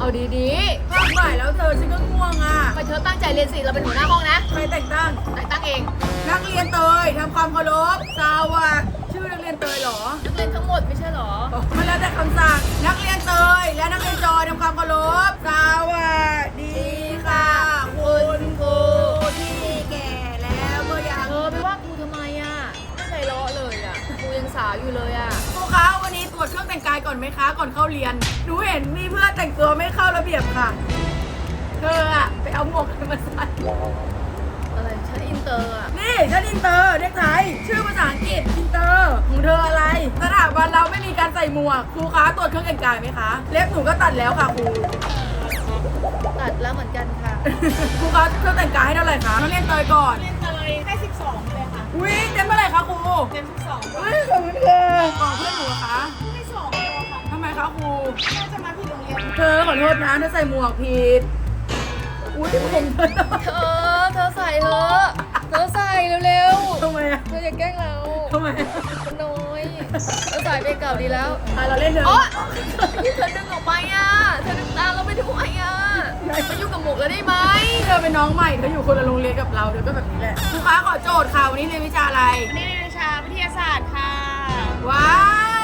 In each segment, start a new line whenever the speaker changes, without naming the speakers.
เอาดี
ภาคบ่ายแล้วเธอฉันก็ง่วงอ่ะ
ๆไปเธอตั้งใจเรียนสิเราเป็นหัวหน้าห้องนะ
ใครแต่งตั้ง
แต่งตั้งเอง
นักเรียนเตยทำความเคารพสวัสดิ์ชื่อนักเรียนเตยเหรอ
นักเรียนทั้งหมดไม่ใช่หรอ
มันแล้วแต่คำสั่งนักเรียนเตยและนักเรียนจอยทำความเคารพสวัสดีค่ะคุณครูที่แก่แล้วเมื่อยาม
เธอไปว่าครูทำไมอ่ะไม่ไพเราะเลยอ่ะครูยังสาวอยู่เลยอ่ะ
ครูคะวันนี้ตรวจเครื่องแต่งกายก่อนไหมคะ ก่อนเข้าเรียนหนูเห็นมีเพื่อนแต่งตัวไม่เข้าระเบียบค่ะ เธออะไปเอาหมวกมาใส่
อะไรฉันอินเตอร์อ่ะ
นี่ฉันอินเตอร์เด็กไทยชื่อภาษาอังกฤษอินเตอร์ของเธออะไรสถาบันเราไม่มีการใส่หมวกครูคะตรวจเครื่องแต่งกายไหมคะเล็บหนูก็ตัดแล้วค่ะครู
ตัดแล้วเหมือนกันค่ะ
ครูคะเครื่องแต่งกายให้เท่าไหร่คะนักเรียนเตยก่อน
เรียนเตยให้12เลยค่ะ
อุ้ยเต็มเมื่อไหร่คะครู
เต็ม12
อุ้ยขอบคุณค่ะของเพื่อนหนูเหรอคะ
ให้2ตัวค่ะ
ทำไมคะครู
น่าจะมาผิดโรงเรียน
เธอขอโทษนะเธอใส่หมวกผิดอุ้ยผมเธอ
เธอใส่เถอะเธอใส่เร็ว
ทำไมอะ
ๆเธออย่าแกล้งเรา
ทำไมอะ
คนน้อยเธอใส่ไปเก่าดีแล้ว
อ่ะเราเล่นเถ
โอ๊
อะ
ยที่เธอดึงออกไปอ่ะเธอดึงตามเราไปทำไมอ่ะมายุ่งกับหมวกแล้วได้ไหม
เธอเป็นน้องใหม่เธออยู่คนละโรงเรียนกับเราเธอก็แบบนี้แหละครูคะขอโจทย์ค่ะวันนี้เรียนวิชาอะไร
อันนี้เรียนวิชาวิทยาศาสตร์ค่ะ
ว้าว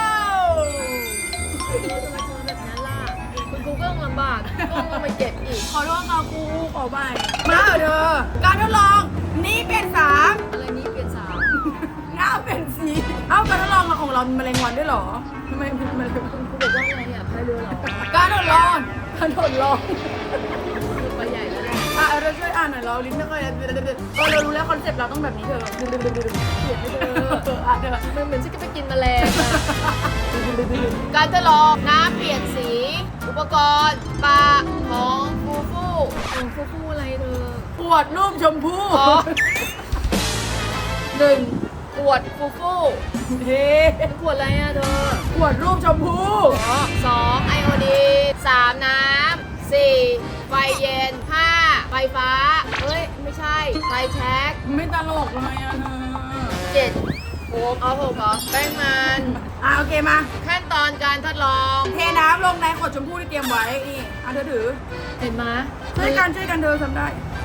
เราจะมาเจอแบบนั้นล่ะคุณครูก็ต้องลำบากก็ต้องมาเก็บอีก
ขอโทษค่ะครูขอใหม่มาเถอะเธอการทดลองนี้เป็นสาม
อะไรนี้เปลี่ยนสาว
หน้าเป็นสีเอ้าการทดลองของเรามีแมลงวันด้วยเหรอทำไมเป็นแมลงวัน
ครูบอกว่าอะไรอ่ะพายเรือเหรอ
การทดลองการทดลอง
ไปใหญ่แล้วแหละ
เราช่วยอ่านหน่อยเราลิ้นไม่ค่อยเรารู้แล้วคอนเซ็ปต์เราต้องแบบนี้เธอเขียนให้เธออ่านเธอ
มันเหมือนฉันจะไปกินแมลงอะการทดลองน้ำเปลี่ยนสี อุปกรณ์ปลาของฟูฟูของฟูฟูอะไรเธอ
ปวดรูปชมพู่
อ๋อหนึ่งขวดฟูฟู
เฮ้
ขวดอะไรอ่ะเธอ
ปวดรูปชมพู่
สองไอโอดีนสามน้ำสี่ไฟเย็นห้าไฟฟ้า เฮ้ย ไม่ใช่ ไฟแช็ก
ไม่ตลกเลยอ่ะเธอ
เจ็ดโอ้เอาหกเหรอแป้งมัน
โอเคมา
ขั้นตอนการทดลอง
เทน้ำลงในขวดชมพู่ที่เตรียมไว้นี่เธอถือ
เห็นไหม
ช่วยกันเธอทำได้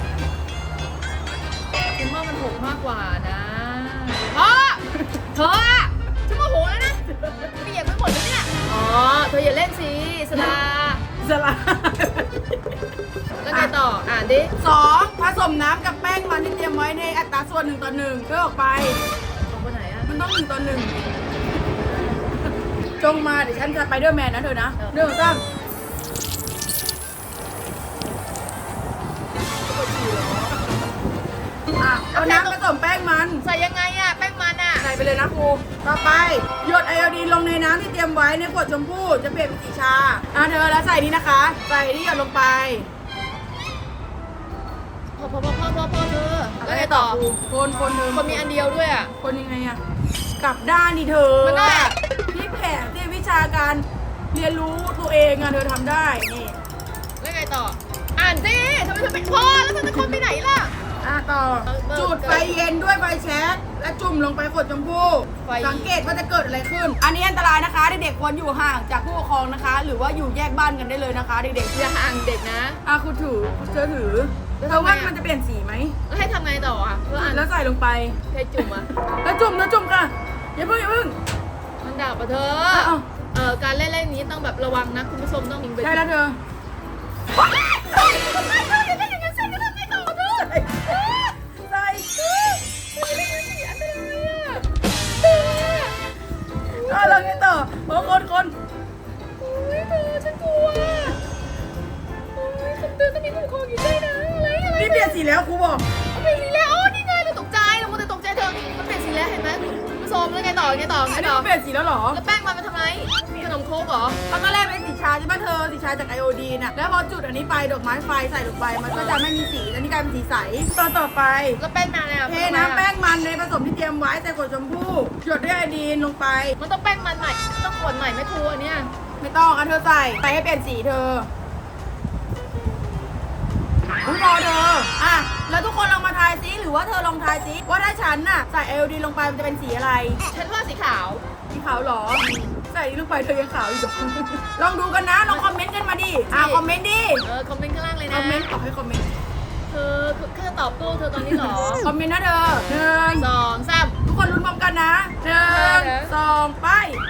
ฉันว่ามันหกมากกว่านะพ่อเธออะฉันโมโหแล้วนะเปียกไปหมดเลยเนี่ย อ๋อ เธออย่าเล่นสิสลา
สลา
แล้วไงต่อ อ่านดิ
2ผสมน้ำกับแป้งมันที่เตรียมไว้ในอัตราส่วน1:1เพื่อออกไป
ออกไปไหนอะ
มันต้อง1:1จงมาเดี๋ยวฉันจะไปเดอร์แมนนะเธอนะเรื่องตั้งเอาน้ำผสมแป้งมัน
ใส่ยังไงอะแป้งมันอะ
ใส่ไปเลยนะครู ต่อไปหยดไอโอดีนลงในน้ำที่เตรียมไว้ในขวดชมพู่จะเปลี่ยนเป็นสีชาเธอแล้วใส่นี่นะคะ ใส่ที่หยดลงไป
พอเธอแล้วไงต่อ
คนเธอ
คนมีอันเดียวด้วยอะ
คนยังไงอะกลับด้านดิเธอ
มันได้
พี่แผนที่วิชาการเรียนรู้ตัวเองอะเธอทำได้นี่
แล้วไงต่อ อ่านสิทำไมเธอเป็นพ่อแล้วเธอจะคนไปไหนล่ะ
ต่อ จุดไฟเย็นด้วยไฟแช็กและจุ่มลงไปขวดชมพู่
ไฟ
สังเกตว่าจะเกิดอะไรขึ้น อันนี้อันตรายนะคะเด็กๆควรอยู่ห่างจากผู้ปกครองนะคะ หรือว่าอยู่แยกบ้านกันได้เลยนะคะ เด็กๆ
อย่าห่างเด็กนะ
ครูถือเธอถือ
แล้ว
เธอ
ทำไง
ว่า
อะ
มันจะเปลี่ยนสีไหม
แล้วให้ทำไงต่ออะเพื่ออ่าน
แล้วใส่ลงไป
ใครจุ่มอะ
แล้วจุ่มค่ะอย่าเพิ่ง
มันดับปะเธอ
เอา
การเล่นนี้ต้องแบบระวังนะคุณผู้ชมต้องยิงไป
ได้แล้วเธอ ใส่เราไงต่อโอ้คน
ฉันกลัวคำเตือนต้องมีผู้ปกครองอยู่ด้วยนะอะไร
นี่เปลี่ยนสีแล้วครูบอก
เปลี่ยนสีแล้วโอ้นี่ไงเราตกใจเรามัวแต่ตกใจเธอมันเปลี่ยนสีแล้วเห็นไหมคุณผู้ชมแล้วไงต่อ
อันนี้เปลี่ยนสีแล้วเหรอ
แล้วแป้งมันทำไมขนมโค้กเหรอ
ตอนแรกเป็นสีชาใช่ป่ะเธอสีชาจากไอโอดีน่ะแล้วพอจุดอันนี้ไปดอกไม้ไฟใส่ลงไปมันก็จะไม่มีสีแล้วนี่กลายเป็นสีใสตอนต่อไป
แล้วแป้งมันเนี่ย
เทน้ำแป้งมันในผสมที่เตรียมไว้ใส่ขวดชมพู่หยดด้วยไอโอดีนลงไป
มันต้องแป้งมันใหม่ต้องขวดใหม่ไม่ครัวเนี่ย
ไม่ต้องเธอใส่ให้เปลี่ยนสีเธอคุณพอเธอแล้วทุกคนลองมาทายซิหรือว่าเธอลองทายซิว่าถ้าฉันน่ะใส่ไอโอดีนลงไปมันจะเป็นสีอะไร
ฉันว่าสีขาว
สีขาวเหรอ แสส่นี่ลงไปเธอยังขาวอยู่ ลองดูกันนะ ลองคอมเมนต์กันมาดิคอมเมนต์ดิ
คอมเมนต์ข้างล่างเลย
ค
นะ
อมเมนต์ตอบให้คอมเมนต์
เธอแค่ตอบโต้เธอตอนนี้เหรอ
คอมเมนต์นะเธอหนึ่ง
2 3
ทุกคนลุ้นพร้อมกันนะหนึ่งสองไป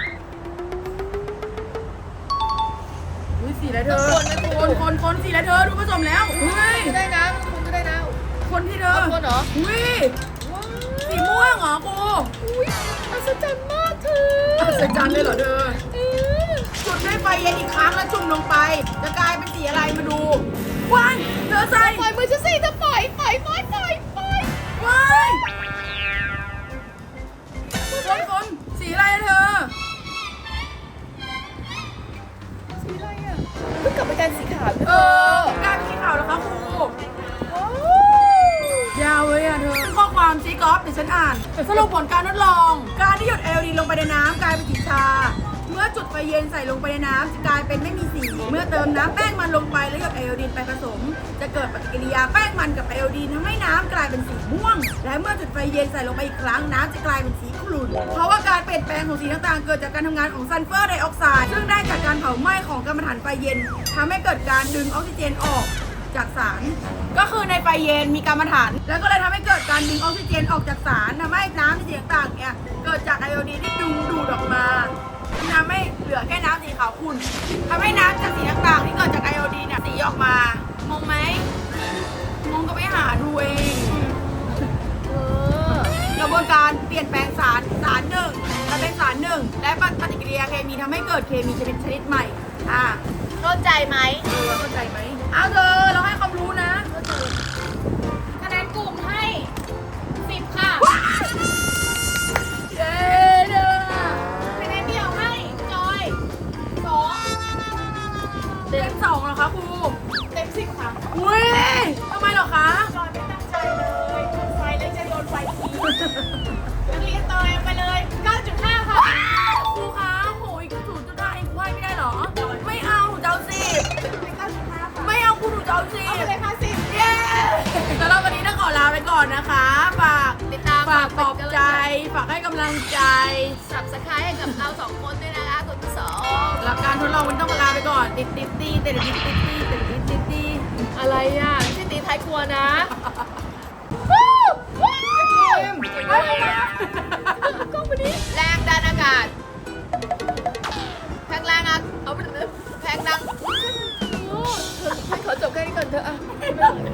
อุ้ยสีอะไรเธอคนสีอะไรเธอดูผสมแล้วเฮ้ย
ก็ได้นะมันคุณก็ได้นะ
คนที่เธอ
คนเหรอ
อุ้ย
ว้าว
สีม่วงเหรอกู
อุ้ยอัศจรรย์มากเธอ
อัศจรรย์เลยเหรอเธอ
เออ
จุดด้วยไฟเย็นอีกครั้งแล้วจุ่มลงไป จะกลายเป็นสีอะไรมาดูว้ายเธอใส่
ปล่อยมือฉันสิเธอปล่อย
ว้ายคนสีอะไรอะเธอ
สีอะไรอ่ะเพิ่งกลับไปกันสีขาว
กลายเป็นสีขาวแล้วครับครู
ว้าวย
าวเลยอ่ะเธอข้อความซีกอล์ฟเดี๋ยวฉันอ่านสรุปผลการทดลอง การที่หยดเอลดีลงไปในน้ำกลายเป็นสีชา เมื่อจุดไฟเย็นใส่ลงไปในน้ำจะกลายเป็นไม่มีสี เมื่อเติมน้ำแป้งมันลงไปแล้วหยดไอโอดีนไปผสม จะเกิดปฏิกิริยาแป้งมันกับไอโอดีนทำให้น้ำกลายเป็นสีม่วง และเมื่อจุดไฟเย็นใส่ลงไปอีกครั้งน้ำจะกลายเป็นสีขุ่นเพราะว่าการเปลี่ยนแปลงของสีต่างๆเกิดจากการทำงานของซัลเฟอร์ไดออกไซด์ซึ่งได้จากการเผาไหม้ของกัมมันถันไฟเย็นทำให้เกิดการดึงออกซิเจนออก จากสารก็คือในไฟเย็นมีกัมมันถันแล้วก็เลยทำให้เกิดการดึงออกซิเจนออกจากสารทำให้น้ำในสีต่างๆเนี่ยเกิดจากไอโอดีนที่ดึงดูดออกมาทำให้เหลือแค่น้ำสีขาวขุ่นทำให้น้ำจากสีต่างๆที่เกิดจากไอโอดีนเนี่ยสีออกมางงไหมงงก็ไปหาดูเอง
เออก
ระบวนการเปลี่ยนแปลงสารหนึ่งกลายเป็นสารหนึ่งและปฏิกิริยาเคมีทำให้เกิดเคมีชนิดใหม่
เข้าใจไหม
เข้าใจไหมเอาเธอเราให้ความรู้นะ
คะแนนกลุ่มให้ 10 ค่ะ
เย้เด้อ
คะแนนเดี่ยวให้จอย2
เต็มสองเหรอคะครู
เต็ม 10 ค่ะ
อุ้ยทำไมเหรอคะ
จอยไม่ตั้งใจเลยโดนไฟเลยจะโดนไฟทีนักเรียนเตยไปเลย 9.5 ค่ะ
ครูคะโหย0.5เองครูให้ไม่ได้เหรอ ไม่เอาหนูจะเอา10
ไป9.5 ค่ะ
ไม่เอาครูหนูจะเอา
เอาไปเลยค่ะ10
เย้สำหรับวันนี้ต้องขอลาไปก่อนนะคะ ฝาก
ติดตาม
ฝากปลอบใจ ฝากให้กำลังใจ
สับสไครให้กับเรา2 คนด้วยนะคะคุณผู้ชม
หลักการทดลองวันนี้ต้องขอลาไปก่อน ติด
อะไรอ่ะไม่ใช่ตีท้ายครัวนะ กล้องไปดิแรงดันอากาศแรงดันเอาไปแรงดันโอ้เธอให้ขอจบแค่นี้ก่อนเถอะอ่ะ